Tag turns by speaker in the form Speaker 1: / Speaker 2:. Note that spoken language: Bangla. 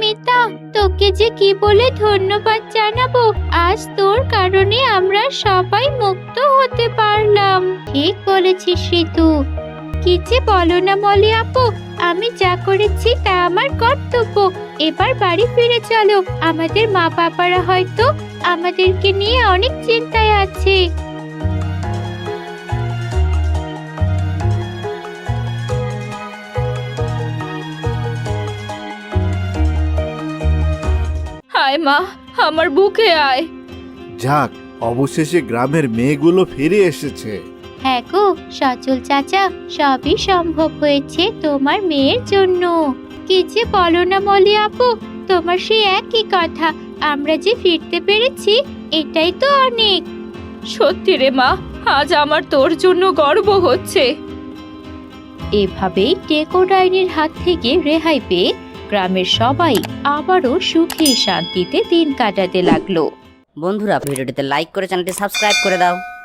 Speaker 1: মিতা, তোকে যে কি বলে ধন্যবাদ জানাবো। আজ তোর কারণে আমরা সবাই মুক্ত হতে পারলাম। ঠিক বলেছিস ঋতু। কি যে বলো না মলি আপু, আমি যা করেছি তা আমার কর্তব্য। এবার বাড়ি ফিরে চলো, আমাদের মা বাবারা হয়তো আমাদেরকে নিয়ে অনেক চিন্তায় আছে।
Speaker 2: হায় মা, আমার বুকে আয়।
Speaker 3: যাক, অবশেষে গ্রামের মেয়েগুলো ফিরে এসেছে।
Speaker 1: হ্যাঁ গো সচল চাচা, সবই সম্ভব হয়েছে তোমার মেয়ের জন্য। কি যে বলো না মলি আপু, তোমার সেই একই কথা। আমরা যে ফিরতে পেরেছি এটাই তো অনেক।
Speaker 2: সত্যি রে মা, আজ আমার তোর জন্য গর্ব হচ্ছে।
Speaker 1: এভাবেই টেকো ডাইনির হাত থেকে রেহাই পেয়ে গ্রামের সবাই আবারও সুখে শান্তিতে দিন কাটাতে লাগলো।
Speaker 4: বন্ধুরা, ভিডিওটিতে লাইক করে চ্যানেলটি সাবস্ক্রাইব করে দাও।